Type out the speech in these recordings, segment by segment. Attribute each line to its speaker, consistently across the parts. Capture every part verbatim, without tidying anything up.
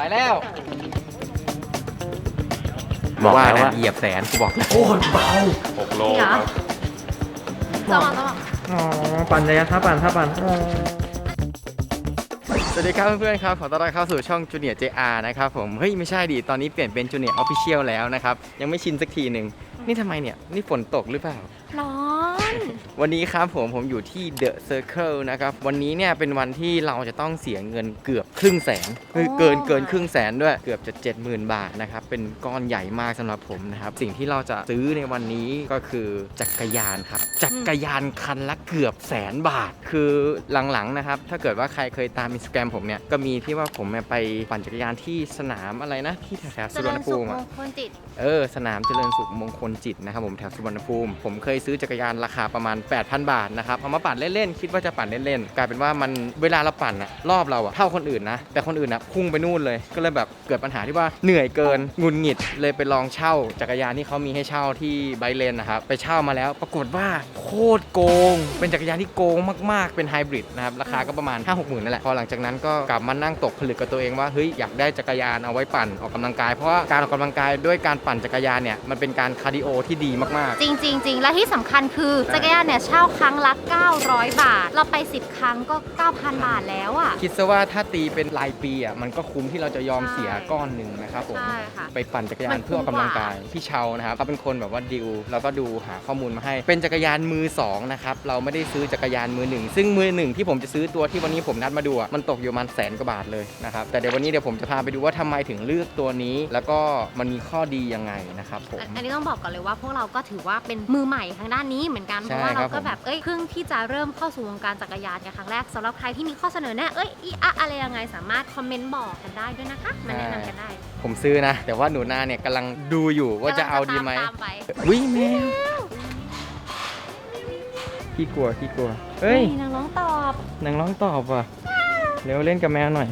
Speaker 1: ไปแล้วบอกว่านะเหยียบแสนกูบอกโคตรเบาหกโลครับ
Speaker 2: ต้องต้อง
Speaker 1: อ๋อปั่นระยะท่าปั่นท่าปั่นสวัสดีครับเพื่อนๆครับขอต้อนรับเข้าสู่ช่อง Junior เจ อาร์ นะครับผมเฮ้ยไม่ใช่ดิตอนนี้เปลี่ยนเป็น Junior Official แล้วนะครับยังไม่ชินสักทีหนึ่งนี่ทำไมเนี่ยนี่ฝนตกหรือเปล่า
Speaker 2: ร้อน
Speaker 1: วันนี้ครับผมผมอยู่ที่ The Circle นะครับวันนี้เนี่ยเป็นวันที่เราจะต้องเสียเงินเกือบครึ่งแสนคือเกินเกินครึ่งแสนด้วยเกือบจะ เจ็ดหมื่น บาทนะครับเป็นก้อนใหญ่มากสำหรับผมนะครับสิ่งที่เราจะซื้อในวันนี้ก็คือจักรยานครับจักรยานคันละเกือบแสนบาทคือหลังๆนะครับถ้าเกิดว่าใครเคยตาม Instagram ผมเนี่ยก็มีที่ว่าผมไปปั่นจักรยานที่สนามอะไรนะที่แถวๆสุวรรณภูมิเออสนามเจริญสุขมงคลจิตนะครับผมแถวสุวรรณภูมิผมเคยซื้อจักรยานราคาประมาณ แปดพัน บาทนะครับเอามาปั่นเล่นๆคิดว่าจะปั่นเล่นๆกลายเป็นว่ามันเวลาเราปั่นอะรอบเราอะเท่าคนอื่นนะแต่คนอื่นอะพุ่งไปนู่นเลยก็เลยแบบเกิดปัญหาที่ว่าเหนื่อยเกินหงุดหงิดเลยไปลองเช่าจักรยานที่เขามีให้เช่าที่ไบเลนนะครับไปเช่ามาแล้วปรากฏว่าโคตรโกงเป็นจักรยานที่โกงมากๆเป็นไฮบริดนะครับราคาก็ประมาณ ห้าหกหมื่นนั่นแหละพอหลังจากนั้นก็กลับมานั่งตกผลึกกับตัวเองว่าเฮ้ยอยากได้จักรยานเอาไว้ปั่นออกกำลังกายเพราะว่าการออกกำลังกายด้วยการปั่นจักรยานเนี่ยมันเป็นการคาร์ดิโอที่ดีมากๆ
Speaker 2: จริงจริงจริงและที่สำคัญคือจักรยานเนี่ยเช่าครั้งละเก้าร้อยบาทเราไปสิบครั้งก็ เก้าพัน บาทแล้วอ่ะ
Speaker 1: คิดซะว่าถ้าตีเป็นรายปีอ่ะมันก็คุ้มที่เราจะยอมเสียก้อนหนึ่งนะครับผมไปปั่นจักรยานเพื่อออกกำลังกายพี่เชานะครับเขาเป็นคนแบบว่าดิวแล้วก็ดูหาข้อมูลมาให้เป็นจักรยานมือสองนะครับเราไม่ได้ซื้อจักรยานมือหนึ่งซึ่งมือหนึ่งที่ผมจะซื้อตัวที่วันนี้ผมนัดมาดูอ่ะมันตกอยู่ประมาณแสนกว่าบาทเลยนะครับแต่เดี๋ยววันนี้เดี๋ยวผมจะพาไปดูว่าทำไมถึงเลือกตัวนี้แล้วก็มันมีข้อดียังไงนะครับผม
Speaker 2: อันนี้ต้องบอกก่อนเลยว่าพวกเราก็ถือว่าเป็นมือใหม่ทางด้านนี้เหมือนกันเพราะว่าเราก็แบบเอ้ยเพิ่งที่จะเริ่มเข้าสู่วงการจักรยานกันครั้งแรกสำหรับใครที่มีข้อเสนอแนะเอ้ยอีอะอะไรยังไงสามารถคอมเมนต์บอกกันได้ด้วยนะคะมาแนะนำกันได้
Speaker 1: ผมซื้อนะแต่ว่าหนูนาเนี่ยกำลังดูอยู่ว่าจะเอาดีไหมวิ่งแมวขี้กลัวขี้กลัวเฮ้ย
Speaker 2: นางร้องตอบ
Speaker 1: นางร้องตอบว่ะเร็วเล่นกับแมวหน่อย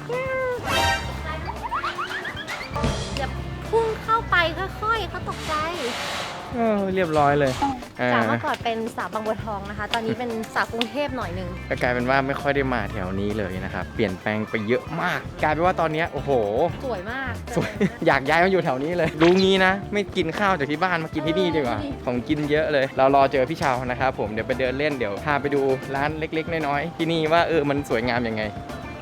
Speaker 2: อย่าพุ่งเข้าไปค่อยๆเขาตกใจ
Speaker 1: เออเรียบร้อยเลย
Speaker 2: จากเมื่อก่อนเป็นสาวบางบัวทองนะคะตอนนี้เป็นสาวกรุงเทพหน่อยนึง
Speaker 1: ก็กลายเป็นว่าไม่ค่อยได้มาแถวนี้เลยนะครับเปลี่ยนแปลงไปเยอะมากกลายเป็นว่าตอนนี้โอ้โห
Speaker 2: สวยมาก
Speaker 1: สวยอยากย้ายมาอยู่แถวนี้เลยรู้งี้นะไม่กินข้าวจากที่บ้านมากินที่นี่ดีกว่าของกินเยอะเลยเรารอเจอพี่ชาวนะครับผมเดี๋ยวไปเดินเล่นเดี๋ยวพาไปดูร้านเล็กๆน้อยๆที่นี่ว่าเออมันสวยงามยังไง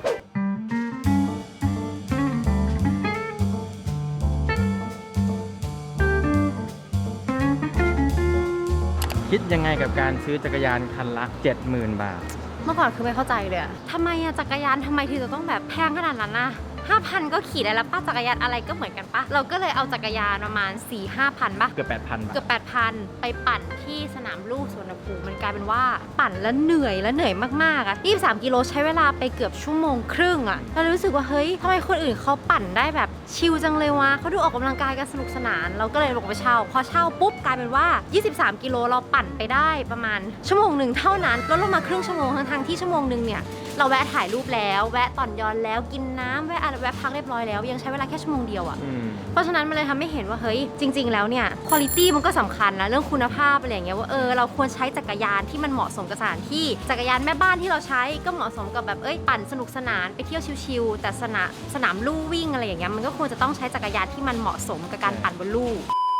Speaker 1: คิดยังไงกับการซื้อจักรยานคันละ เจ็ดหมื่น บาท
Speaker 2: เมื่อก่อนคือไม่เข้าใจเลยอะทำไมอะจักรยานทำไมถึงจะต้องแบบแพงขนาดนั้นนะห้าพันก็ขี่ได้แล้วป้าจักรยานอะไรก็เหมือนกันปะเราก็เลยเอาจักรยานประมาณ สี่ห้าพัน ปะ
Speaker 1: เกือบ แปดพัน บาท
Speaker 2: เกือบ แปดพัน ไปปั่นที่สนามลู่สวนภูมิมันกลายเป็นว่าปั่นแล้วเหนื่อยแล้วเหนื่อยมากๆอะยี่สิบสามกิโลใช้เวลาไปเกือบชั่วโมงครึ่งอะเรารู้สึกว่าเฮ้ยทำไมคนอื่นเขาปั่นได้แบบชิลจังเลยวะเขาดูออกกำลังกายกันสนุกสนานเราก็เลยลงไปเช่าพอเช่าปุ๊บกลายเป็นว่ายี่สิบสามกิโลเราปั่นไปได้ประมาณชั่วโมงหนึ่งเท่านั้นลดลงมาครึ่งชั่วโมงทั้งๆที่ชั่วโมงนึงเนี่ยเราแวะถ่ายรูปแล้วแวะต่อนยอนแล้วกินน้ำแวะอะไรแวะพักเรียบร้อยแล้วยังใช้เวลาแค่ชั่วโมงเดียวอ่ะเพราะฉะนั้นมันเลยทำให้เห็นว่าเฮ้ยจริงๆแล้วเนี่ยคุณภาพมันก็สำคัญนะเรื่องคุณภาพอะไรอย่างเงี้ยว่าเออเราควรใช้จักรยานที่มันเหมาะสมกับสถานที่จักรยานแม่บ้านที่เราใช้ก็เหมาะสมกับแบบเอ้ยปั่นสนุกสนานไปเที่ยวชิลๆแต่สนามสนามลู่วิ่งอะไรอย่างเงี้ยมันก็ควรจะต้องใช้จักรยานที่มันเหมาะสมกับการปั่นบนลู่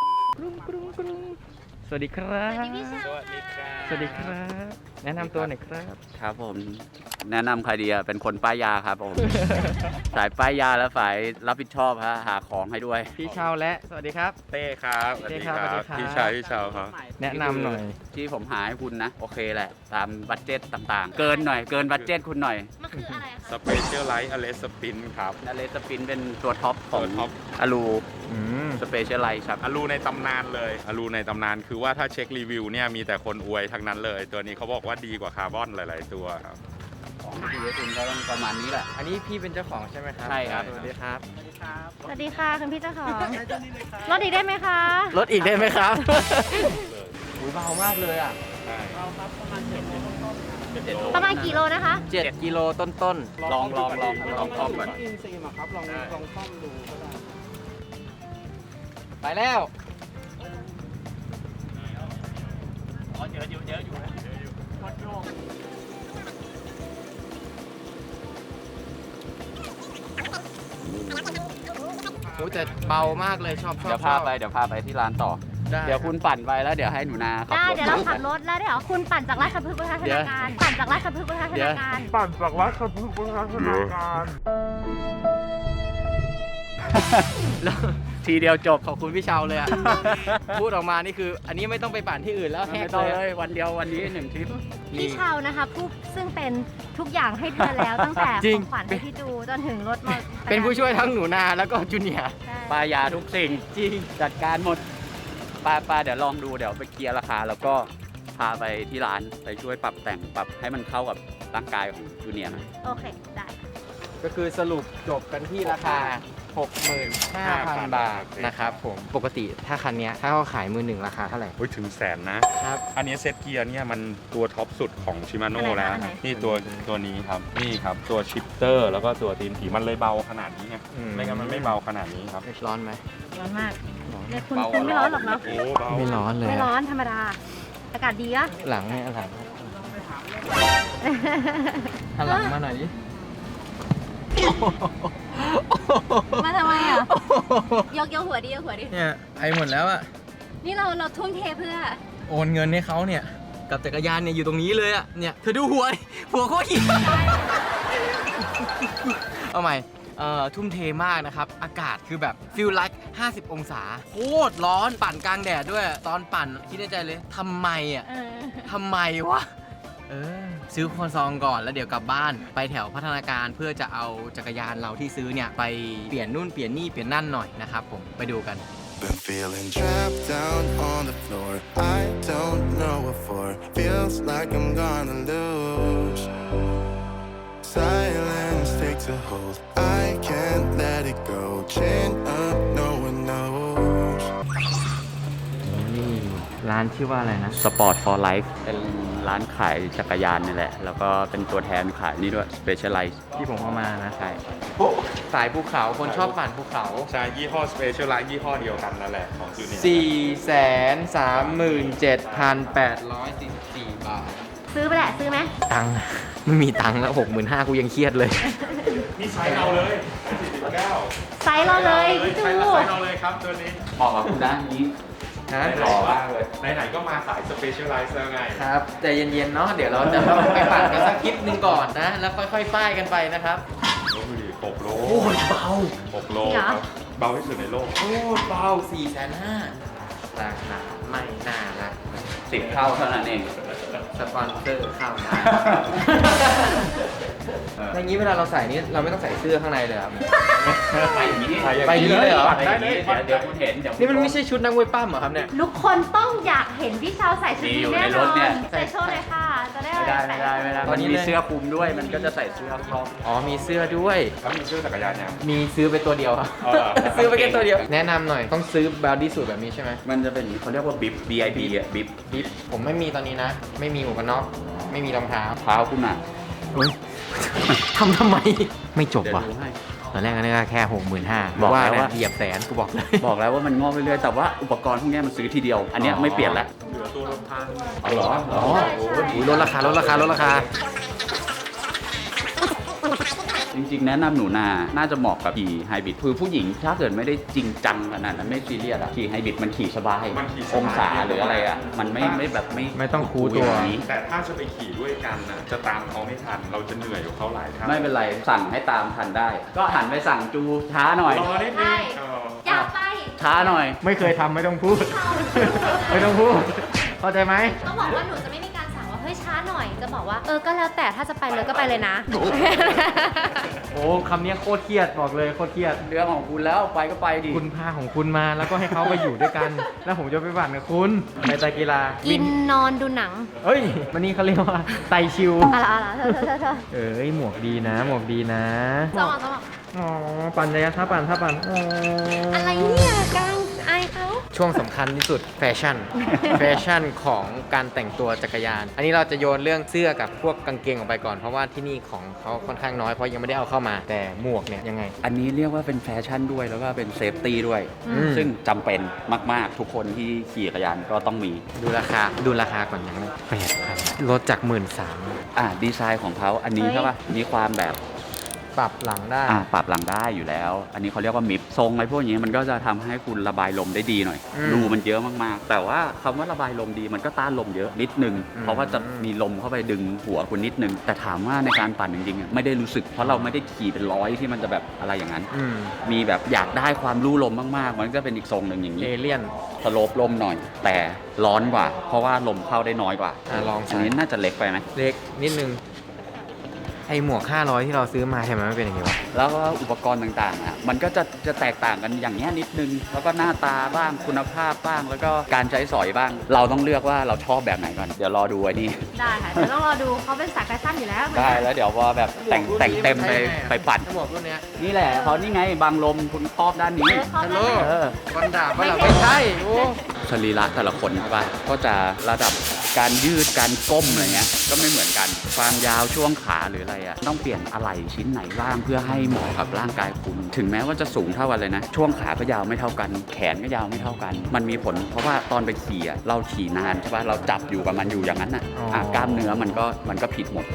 Speaker 1: สวัสดีครับ
Speaker 2: สวัสดีพี่ชาย
Speaker 3: สวัสดีครับ
Speaker 1: สวัสดีครับแนะนำตัวหน่อยครับ
Speaker 3: ครับผมแนะนำใครดีอะเป็นคนป้ายยาครับผม สายป้ายยาและฝ่ายรับผิดชอบฮะหาของให้ด้วย
Speaker 1: พี่ชาวและสวัสดีครับ
Speaker 3: เต้ครับสวัสดีครับพี่ชายพี่ชาวครับ
Speaker 1: แนะนำหน่อย
Speaker 3: ที่ผมหาให้คุณนะโอเคแหละตามบัตเจ็ตต่างๆเกินหน่อยเกินบัตเจ็ตคุณหน่อย
Speaker 2: มันคืออะไรคะ
Speaker 3: สเปเชียลไลท์อเลสปินครับอเลสปินเป็นตัวท็อปของอลูสเปเชียลไลท์ครับ
Speaker 4: อลูในตำนานเลยอลูในตำนานคือว่าถ้าเช็ครีวิวเนี่ยมีแต่คนอวยทั้งนั้นเลยตัวนี้เขาบอกว่าดีกว่าคาร์บอนหลายๆตัวครับ
Speaker 3: ของดีคุณก็ต้องประมาณนี้แหละ
Speaker 1: อันนี้พี่เป็นเจ้าของใช่ไหมครับ
Speaker 3: ใช่ครับ
Speaker 1: สวัสดีครับ
Speaker 2: สวัสดีค่ะคุณพี่เจ้าของรถอีกได้ไหมคะ
Speaker 1: รถอีกได้ไหมครับอุ้ยเบามากเลยอ่ะ
Speaker 4: เบาครับประมาณเจ็ดโล
Speaker 2: ประมาณกี่โลนะคะ
Speaker 1: เจ็ดกิโลต้น
Speaker 3: ๆลองลองลองลองซ่อมก่อน
Speaker 4: อินซีมาครับลองลองซ่อมดูก็ได้
Speaker 1: ไปแล้ว
Speaker 3: อ๋อเยอะอยู่เยอะอยู่นะเยอะอยู่วัดโยก
Speaker 1: โอ้แต่เบามากเลยชอบชอบ
Speaker 3: เดี๋ยวพาไปเดี๋ยวพาไปที่ร้านต่อ
Speaker 1: ได้
Speaker 3: เดี๋ยวคุณปั่นไปแล้วเดี๋ยวให้หนูนาขับ
Speaker 2: ได้
Speaker 3: รถ
Speaker 2: เดี๋ยวเราขับรถแล้วเดี๋ยวคุณปั่นจากราชพฤกษ์ไปทางธนาคารปั่นจากราชพฤกษ์ไปทางธนาคาร
Speaker 5: ปั่นจากวัดสะพึกไปทางธนาคาร
Speaker 1: แล้ว
Speaker 3: ทีเดียวจบ
Speaker 1: ขอบคุณพี่เชาเลยอ่ะ พูดออกมานี่คือ อันนี้ไม่ต้องไปปั่นที่อื่นแล้วแฮ
Speaker 3: ไม่
Speaker 1: ก
Speaker 3: ต้อง
Speaker 1: เลย
Speaker 3: เลยวันเดียววันนี้หนึ่งทริป
Speaker 2: พี่เชานะคะผู้ซึ่งเป็นทุกอย่างให้เธอแล้วตั้งแต่
Speaker 1: จริ
Speaker 2: ของ งขวัญให้พี่จูจนถึงรถมอ
Speaker 1: เป็นผู้ช่วยทั้งหนูนาแล้วก็จูเนียร์
Speaker 2: ใช่
Speaker 3: ปลายาทุกสิ่ง
Speaker 1: จริง
Speaker 3: จัดการหมดปลาปลาเดี๋ยวลองดูเดี๋ยวไปเคลียร์ราคา แล้วก็พาไปที่ร้านไปช่วยปรับแต่งปรับให้มันเข้ากับร่างกายของจูเนียร์หน่อย
Speaker 2: โอเคได้
Speaker 1: ก็คือสรุปจบกันที่ราคา หกหมื่นห้าพัน บาทนะครับผม ปกติถ้าคันเนี้ยถ้าเขาขายมือหนึ่งราคาเท่าไหร่
Speaker 4: เฮ้ยถึงแสนนะ
Speaker 1: ครับ
Speaker 4: อันนี้เซตเกียร์เนี่ยมันตัวท็อปสุดของชิมาโน่แล้ว นี่ตัวตัวนี้ครับ นี่ครับ ตัวชิปเตอร์แล้วก็ตัวตีนผีมันเลยเบาขนาดนี้ไง
Speaker 1: อืม
Speaker 4: ไม่งั้นมันไม่เบาขนาดนี้ครับ
Speaker 1: ร้อนไหม
Speaker 2: ร้อนมากเนี่ยคุณคุณไม่ร้อนหรอกเนาะ
Speaker 4: โอ้เบา
Speaker 1: ไม่ร้อนเลย
Speaker 2: ไม่
Speaker 1: อะ
Speaker 2: ร้อนธรรมดา อากาศดีอะ
Speaker 1: หลังเนี่ยหลังหันหลังมาหน่อยดิ
Speaker 2: มาทำไมอ่ะ ยกยกหัวดิยกหัวดิ
Speaker 1: เนี่ยไอหมดแล้วอะ
Speaker 2: นี่เราเราทุ่มเทเพื่อ
Speaker 1: โอนเงินให้เขาเนี่ย กับจักรยานเนี่ยอยู่ตรงนี้เลยอะเนี่ยเธอดูหัวดิหัวโคตรหิวเอาใหม่เอ่อทุ่มเทมากนะครับ อากาศคือแบบฟิลไลค์ห้าสิบองศาโคตรร้อนปั่นกลางแดดด้วย ตอนปั่นคิดในใจเลยทำไมอะ
Speaker 2: เออ
Speaker 1: ทำไมวะ เออ ซื้อคอนซองก่อนแล้วเดี๋ยวกลับบ้านไปแถวพัฒนาการเพื่อจะเอาจักรยานเราที่ซื้อเนี่ย ไปเปลี่ยนนู่นเปลี่ยนนี่เปลี่ยนนั่นหน่อยนะครับผมไปดูกัน
Speaker 6: Been feeling trapped down on the floor. I don't know what for. Feels like I'm gonna lose. Silence takes a hold. I can't let it go. Chin up, no one knows.
Speaker 1: นี่ร้านชื่อว่าอะไรนะ
Speaker 3: Sport for Life เป็นร้านขายจักรยานนี่แหละ แล้วก็เป็นตัวแทนขายนี่ด้วย Specialize
Speaker 1: ที่ผมเอามานะ
Speaker 3: ใช่
Speaker 1: สายภูเขาคนชอบปั่นภูเขา
Speaker 4: ใช่ยี่ห้อสเปเชียลไลท์ยี่ห้อเดียวกันนั่นแหละของจูเนียร์
Speaker 1: สี่แสนสามหมื่นเจ็ดพันแปดร้อยสี่สิบสี่บาท
Speaker 2: ซื้อไปแหละซื้อไหม
Speaker 1: ตังค์ไม่มีตังค์แล้วหกหมื่นห้ากูยังเครียดเลย
Speaker 4: นี่ไซส์เราเลยสี่สิบเก้า
Speaker 2: ไซส์เราเลยพี่จู
Speaker 4: ไซส์เราเลยครับตัวนี้
Speaker 3: เหมาะกับคุณด้านนี้
Speaker 1: นะ
Speaker 3: หล่อมากเลย
Speaker 4: ไหนๆก็มาสายสเปเชียลไลท์แล้วไง
Speaker 1: ครับใจเย็นๆเนาะเดี๋ยวเราจะต้องไปปั่นกันสักคลิปหนึ่งก่อนนะ แล้วค่อยๆป้ายกันไปนะครับ
Speaker 4: โอ้โหหกโล
Speaker 1: โอ้ยเบา
Speaker 4: หกโลครับ เบาที่สุดในโลก
Speaker 1: โอ้ยเบาสี่แสนห้าราคาไม่น่ารัก
Speaker 3: สิบเท่าเท่านั้นเอง
Speaker 1: สปอนเซอร์เข้ามาอย่างนี้เวลาเราใส่นี่เราไม่ต้องใส่เสื้อข้างในเลยครับ
Speaker 3: ไปอย่างนี้
Speaker 1: ไปอย่างนี้เลยเหรอ
Speaker 3: ไปอย่างนี้เดี๋ยวเดี๋ยวคุณเห็นเดี๋ยว
Speaker 1: นี่มันไม่ใช่ชุดนักมวยปั้มเหรอครับเนี่ย
Speaker 2: ทุกคนต้องอยากเห็นพี่เชาใส่ชุด
Speaker 3: มีอยู่
Speaker 2: นี้
Speaker 3: ใน
Speaker 2: แน่น
Speaker 3: ร
Speaker 2: อ
Speaker 3: ถเนี่ย
Speaker 2: นใส่โชว์เลยค่ะ จะได้
Speaker 3: ไม่ได้ไม่ได้ไม่ได้
Speaker 1: ตอ
Speaker 3: มัน น
Speaker 1: นี้
Speaker 3: มี
Speaker 1: เลย
Speaker 3: เสื้อคลุมด้วย มันก็จะใส่เสื้อครอบ
Speaker 1: อ๋อมีเสื้อด้วย
Speaker 4: แล้วมีเสื้อจักรยานยัง
Speaker 1: มีซื้อไปตัวเดียวครับ
Speaker 4: อ๋อเหรอ
Speaker 1: ซื้อไปแค่ตัวเดียว แนะนำหน่อยต้องซื้อบาร์ดี้สูทแบบนี้ใช่ไหม
Speaker 3: มันจะเป็นเขาเรียกว่าบิบ B I B อ่ะบิบ
Speaker 1: บิ๊บผมไม่มีตอนนี้นะ ไม่มีหมวกกันน็อกไม่มีรองเท้า
Speaker 3: เท้าคุณอ่ะ
Speaker 1: เฮ้ย ทำทำไม ไม่จบ
Speaker 3: เดี๋ยว
Speaker 1: ว่ะ
Speaker 3: ดูให้
Speaker 1: ตอนแรกก็นึกว่าแค่หกหมื่นห้า
Speaker 3: บอกแล้ว
Speaker 1: นะ
Speaker 3: ว่า
Speaker 1: เหยียบแสนกูบอกเลย
Speaker 3: บอกแล้วว่ามันงอกเรื่อยๆ แต่ว่าอุปกรณ์พวกเนี้ยมันซื้อทีเดียว อันเนี้ยไม่เปลี่ยนแล้ว
Speaker 4: เหลือตัวลำพัง
Speaker 1: อ๋อเหรออ๋อโอ้ยลดราคาลดราคาลดราคา
Speaker 3: จริงๆ แนะนำหนูนา น่าจะเหมาะกับขี่ไฮบริดคือผู้หญิงถ้าเกิดไม่ได้จริงจังขนาดนั้นไม่ซีเรียสอะขี่ไฮบริดมันขี่สบาย
Speaker 4: มันขี่สบาย
Speaker 3: องศาหรืออะไรอะมันไม่ไม่แบบไม่
Speaker 1: ไม่ต้องคูตัว
Speaker 3: อย่างนี้
Speaker 4: แต่ถ้าจะไปขี่ด้วยกันนะจะตามเขาไม่ทัน เราจะเหนื่อยกว่าเขาหลายเท่า
Speaker 3: ไม่เป็นไรสั่งให้ตามทันได้ ก็หันไปสั่งจูช้าหน่อย
Speaker 4: รอนิดนึงเออ
Speaker 2: อยากไป
Speaker 3: ช้าหน่อย
Speaker 1: ไม่เคยทำไม่ต้องพูด ไม่ต้องพูด เข้าใจไหม
Speaker 2: ต้องบอกว่าหนูจะไม่มีการสั่งว่าเฮ้ยช้าหน่อย จะบอกว่าเออก็แล้วแต่ถ้าจะไปเลยก็ไปเลยนะ
Speaker 1: โอ้คำนี้โคตรเครียดบอกเลยโคตรเครียด
Speaker 3: เรื่องของคุณแล้วไปก็ไปดิ
Speaker 1: คุณพาของคุณมาแล้วก็ให้เขาไปอยู่ด้วยกัน แล้วผมจะไปปั่นกับคุณไปไตรกีฬา
Speaker 2: กินนอนดูหนัง
Speaker 1: เอ้ยมันนี่เขาเรียกว่าไตชิว
Speaker 2: อะไรอะไรเธอเธอเธอเธอ
Speaker 1: เอ้ยหมวกดีนะ หมวกดีนะ
Speaker 2: สมองสมอง
Speaker 1: อ๋อปั่นเลยนะถ้าปั่นถ้าปั่นอ๋ออ
Speaker 2: อะไรเนี่ยกลางอายเขา
Speaker 1: ช่วงสำคัญที่สุดแฟชั่น แฟชั่นของการแต่งตัวจักรยาน อันนี้เราจะโยนเรื่องเสื้อกับพวกกางเกงออกไปก่อนเพราะว่าที่นี่ของเขาค่อนข้างน้อยเพราะยังไม่ได้เอาเข้ามาแต่หมวกเนี่ยยังไง
Speaker 3: อันนี้เรียกว่าเป็นแฟชั่นด้วยแล้วก็เป็นเซฟตี้ด้วย
Speaker 1: อืม
Speaker 3: ซึ่งจำเป็นมากๆ ทุกคนที่ขี่จักรยานก็ต้องมี
Speaker 1: ดูราคาดูราคาก่อนยังไงแปดพันลดจากหมื่นสาม
Speaker 3: อ่าดีไซน์ของเขาอันนี้ใช่ปะมีความแบบ
Speaker 1: ปรับหลังได้
Speaker 3: อ่าปรับหลังได้อยู่แล้ว อันนี้เขาเรียกว่ามิฟทรงอะไรพวกนี้มันก็จะทำให้คุณระบายลมได้ดีหน่อย
Speaker 1: อืม
Speaker 3: รูมันเยอะมากๆ แต่ว่าคำว่าระบายลมดีมันก็ต้านลมเยอะนิดนึง
Speaker 1: อืม
Speaker 3: เพราะว่าจะมีลมเข้าไปดึงหัวคุณนิดนึง แต่ถามว่าในการปั่นจริงๆอ่ะไม่ได้รู้สึกเพราะเราไม่ได้ขี่เป็นร้อยที่มันจะแบบอะไรอย่างนั้น
Speaker 1: อืม
Speaker 3: มีแบบอยากได้ความลู่ลมมากๆ มันก็เป็นอีกทรงหนึ่งอย่าง
Speaker 1: เอ
Speaker 3: นี้
Speaker 1: เลี่ยน
Speaker 3: สโลปลมหน่อย แต่ร้อนกว่า เพราะว่าลมเข้าได้น้อยกว่า
Speaker 1: อ่ะลอง
Speaker 3: อัน
Speaker 1: ใส่
Speaker 3: นี้น่าจะเล็กไปไหม
Speaker 1: เล็กนิดนึงไอหมวกห้าร้อยที่เราซื้อมาใช่ไหมมันเป็นอย่างนี้วะ
Speaker 3: แล้วก็อุปกรณ์ต่างๆอ่ะมันก็จะจะแตกต่างกันอย่างนี้ยนิดนึง แล้วก็หน้าตาบ้างคุณภาพบ้าง แล้วก็การใช้สอยบ้าง เราต้องเลือกว่าเราชอบแบบไหนก่อน เดี๋ยวรอดูไอ้นี่
Speaker 2: ได้ค่ะเดี๋ยวต้องรอดูเขาเป็นสายแฟชั่นอยู่แล้ว
Speaker 3: ได้แล้วเดี๋ยวพอแบบแต่งแต่งเต็มไปไปปั่น
Speaker 1: หมวกรุ่นเนี้ย
Speaker 3: นี่แหละเขานี่ไงบางลมคุณครอบด้านนี้
Speaker 1: ฮัลโหล
Speaker 3: เออ
Speaker 1: วันดาบว่าเราไม่ใช่โอ้
Speaker 3: สรีระแต่ละคนใช่ป่ะก็จะระดับการยืดการก้มอะไรเงี้ยก็ไม่เหมือนกันความยาวช่วงขาหรืออะไรอ่ะต้องเปลี่ยนอะไรชิ้นไหนบ้างเพื่อให้เหมาะกับร่างกายคุณ ถึงแม้ว่าจะสูงเท่ากันเลยนะ ช่วงขาก็ยาวไม่เท่ากัน แขนก็ยาวไม่เท่ากัน มันมีผลเพราะว่าตอนไปขี่อ่ะเราขี่นานใช่ป่ะเราจับอยู่กับมันอยู่อย่างนั้นอ่ะอ่ะกล้ามเนื้อมันก็มันก็ผิดหมด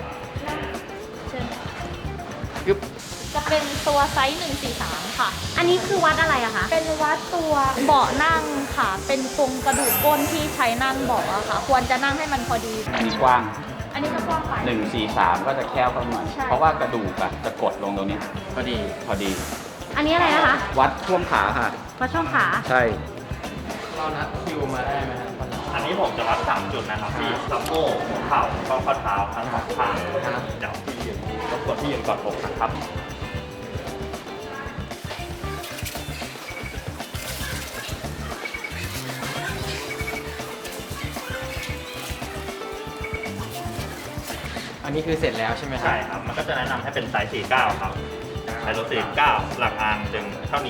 Speaker 7: จะเป็นตัวไซส์หนึ่งสี่สามค่ะ
Speaker 2: อันนี้คือวัดอะไรอะคะ
Speaker 7: เป็นวัดตัวเบาะนั่งค่ะ เป็นตรงกระดูกก้นที่ใช้นั่งเบาะอะค่ะ ควรจะนั่งให้มันพอดี
Speaker 3: อันนี้กว้าง
Speaker 7: อันนี้ก็กว้างไป
Speaker 3: หนึ่ง สี่ สามก็จะแคบเข้าหน่อย
Speaker 7: ใช่
Speaker 3: เพราะว่ากระดูกอะจะกดลงตรงนี้
Speaker 1: พอดี
Speaker 3: พอดี
Speaker 2: อันนี้อะไรนะคะ
Speaker 3: วัดช่วงขาค่ะ
Speaker 2: วัดช่วงขา
Speaker 3: ใช่
Speaker 1: เรานัดคิวมาได้ไหมครับ
Speaker 5: อันนี้ผมจะวัดสามจุดนะครับที่สะโพกหัวเข่าข้อข้อเท้าทั้งสองข้างเดี๋ยวพี่ยืนรบกวนพี่ยืนกอดอกนะครับ
Speaker 1: อันนี้คือเสร็จแล้วใช่ไหมครั
Speaker 5: ใช่ครับ มันก็จะแนะนำให้เป็นไซส์สี่สิบเก้าครับไซส์รถสี่สิบเก้าหลักอางจึงเท่านี้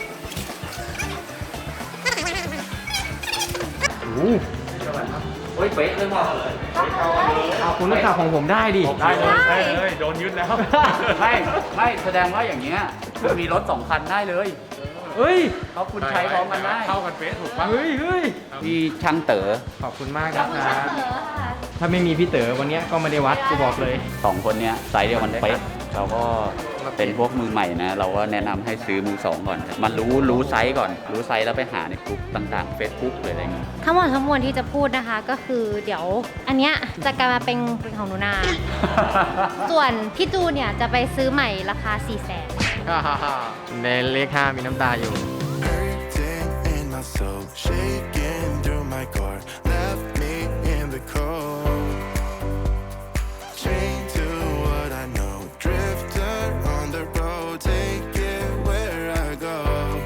Speaker 3: โอ้ยเป๊ะเลยว่ะ
Speaker 1: เอาคุณนักข่าวของผมได้ดิ
Speaker 5: ได้เลยได้เลยโดนยึดแล้ว
Speaker 3: ไม่ไม่แสดงว่าอย่างเงี้ยคุณมีรถสองคันได้เลย
Speaker 1: เฮ้ย
Speaker 3: เพราะคุณใช้พร้อมกันได้
Speaker 5: เข้ากันเป๊ะถูกปะ
Speaker 1: เฮ้ยเฮ้ย
Speaker 3: พี่ช่างเต๋อ
Speaker 1: ขอบคุณมากนะครับ ถ้าไม่มีพี่เต๋อวันเนี้ยก็ไม่ได้วัดกูบอกเลย
Speaker 3: สองคนเนี้ยไซส์เดียวกันเป๊ะเราก็เป็นพวกมือใหม่นะ เราก็แนะนำให้ซื้อมือสองก่อน มันรู้รู้ไซส์ก่อน รู้ไซส์แล้วไปหาในกลุ่มต่างๆ Facebook หรืออะไรเงี้ย
Speaker 2: ทั้งหมดทั้งมวลที่จะพูดนะคะก็คือเดี๋ยวอันเนี้ยจะกลายมาเป็นเป็นของหนูนา ส่วนพี่จูเนี่ยจะไปซื้อใหม่ราคาสี่แสน
Speaker 1: ในเลขห้ามีน้ำตาอยู่
Speaker 6: Hurting in my soul, shaking through my core, left me in the cold. Chained to what I know, drifter on the road, take it where I go.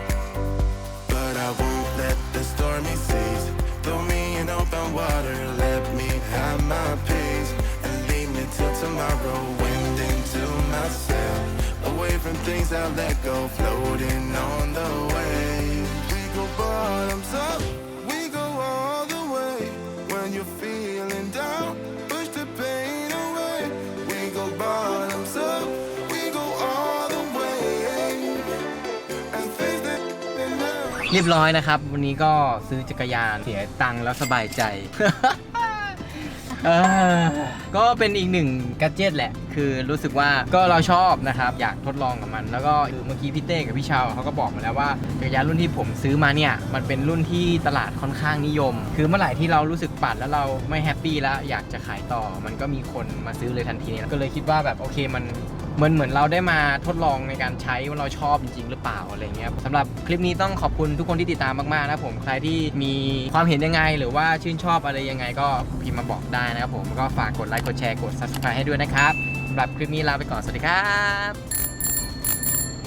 Speaker 6: But I won't let the stormy seas throw me in open water. Let me have my peace and leave me till tomorrow. Wind into myself, away from things I let go, floating on the waves. We go bottoms up, we go all the way. When you're feeling down, push the pain away. We go bottoms up, we go all the way. And things that they never
Speaker 1: เรียบร้อยนะครับ วันนี้ก็ซื้อจักรยานเสียตังค์แล้วสบายใจ เออก็เป็นอีกหนึ่งแกดเจิตแหละ คือรู้สึกว่าก็เราชอบนะครับ อยากทดลองกับมัน แล้วก็คือเมื่อกี้พี่เต้กับพี่ชาวเขาก็บอกมาแล้วว่าจักรยานรุ่นที่ผมซื้อมาเนี่ย มันเป็นรุ่นที่ตลาดค่อนข้างนิยม คือเมื่อไหร่ที่เรารู้สึกปั่นแล้วเราไม่แฮปปี้แล้วอยากจะขายต่อ มันก็มีคนมาซื้อเลยทันทีก็เลยคิดว่าแบบโอเคมัน เหมือนเหมือนเราได้มาทดลองในการใช้ว่าเราชอบจริงๆหรือเปล่าอะไรเงี้ยสำหรับคลิปนี้ต้องขอบคุณทุกคนที่ติดตามมากๆนะผมใครที่มีความเห็นยังไงหรือว่าชื่นชอบอะไรยังไงก็พิมพ์มาบอกได้นะครับผมก็ฝากกดไลค์กดแชร์กด ซับสไครบ์ ให้ด้วยนะครับสำหรับคลิปนี้ลาไปก่อนสวัสดีครับ